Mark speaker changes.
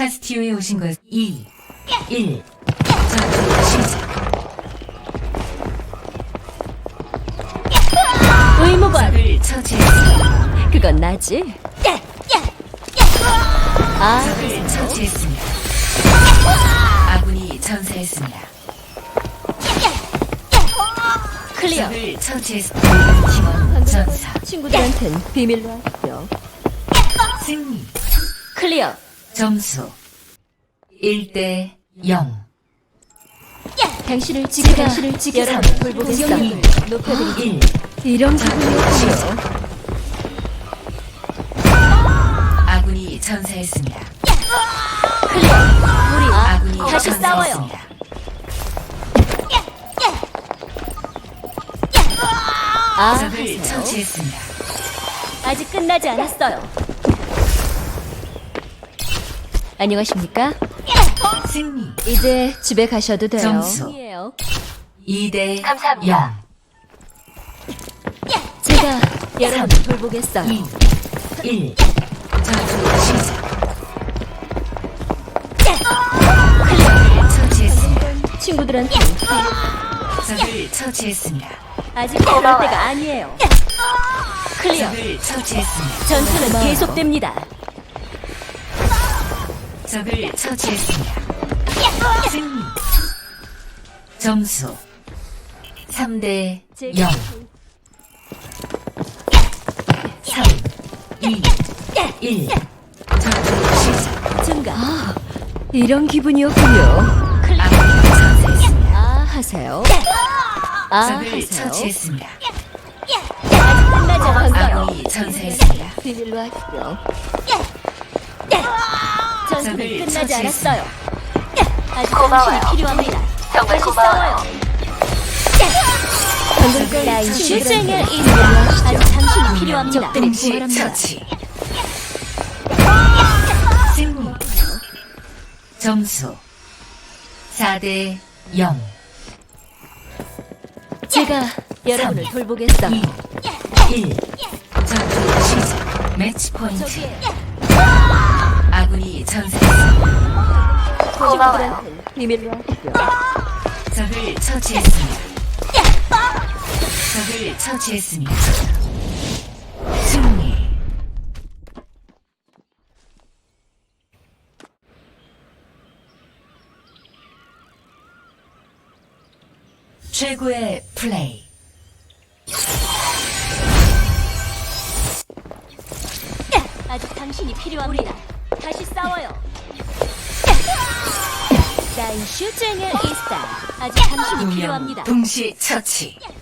Speaker 1: 카스티오에 오신 것 2, 1. 전투 시작.
Speaker 2: 의무관.
Speaker 1: 적을 처치했습니다.
Speaker 2: 그건 나지. 아,
Speaker 1: 적을 처치했습니다. 아군이 전사했습니다.
Speaker 2: 클리어.
Speaker 1: 적을 처치했습니다. 팀원 전사.
Speaker 2: 친구들한텐 비밀로 하시죠.
Speaker 1: 승리.
Speaker 2: 클리어.
Speaker 1: 점수 1대 0.
Speaker 2: 당신을 지켜 여러분을 돌보겠어.
Speaker 1: 공격력을
Speaker 2: 높여드리죠.
Speaker 1: 1.
Speaker 2: 이런 기분이었군요.
Speaker 1: 아군이 전사했습니다.
Speaker 2: 클리어. 우리
Speaker 1: 아군이
Speaker 2: 다시 싸워요.
Speaker 1: 전사했습니다.
Speaker 2: 아,
Speaker 1: 적을
Speaker 2: 하세요.
Speaker 1: 처치했습니다.
Speaker 2: 아직 끝나지 않았어요. 안녕하십니까?
Speaker 1: 승리
Speaker 2: 이제 집에 가셔도 돼요.
Speaker 1: 점수.
Speaker 2: 아니에요.
Speaker 1: 2대
Speaker 2: 감사합니다.
Speaker 1: 0.
Speaker 2: 제가 여러분을 돌보겠어요.
Speaker 1: 2, 1. 전투 시작. 적을 처치했습니다.
Speaker 2: 친구들한테
Speaker 1: 적을 처치했습니다.
Speaker 2: 아직 그럴 때가 아니에요. 클리어.
Speaker 1: 적을 처치했습니다.
Speaker 2: 전투는 계속됩니다.
Speaker 1: 적을 처치했습니다. 승리 점수 3대 0. 3, 2, 1. 전투 시작.
Speaker 2: 증가. 이런 기분이었군요.
Speaker 1: 아군이 전사했습니다.
Speaker 2: 아, 하세요. 아,
Speaker 1: 적을
Speaker 2: 하세요.
Speaker 1: 처치했습니다.
Speaker 2: 아직 끝나지 않았어요.
Speaker 1: 아군이 전사했습니다.
Speaker 2: 비밀로 하시죠. 전투는
Speaker 1: 적을
Speaker 2: 끝나지
Speaker 1: 처치했습니다.
Speaker 2: 않았어요. 아직 당신이 필요합니다. 다시 싸워요. 방금 끝난 슈쟁의 이름. 아직 당신이 필요합니다. 적들이
Speaker 1: 동시
Speaker 2: 부활합니다.
Speaker 1: 처치. 승리 점수 4대 0.
Speaker 2: 제가 여러분을 돌보겠어.
Speaker 1: 2, 1. 전투 시작. 매치 포인트.
Speaker 2: 저기에요.
Speaker 1: 아군이 전사했습니다.
Speaker 2: 친구들한테 비밀로 하시죠.
Speaker 1: 적을 처치했습니다. 적을 처치했습니다. 승리 최고의 플레이.
Speaker 2: 아직 당신이 필요합니다. 다시 싸워요. 난 슈쟁의 이스타. 아직 당신이
Speaker 1: 두명
Speaker 2: 필요합니다.
Speaker 1: 동시 처치.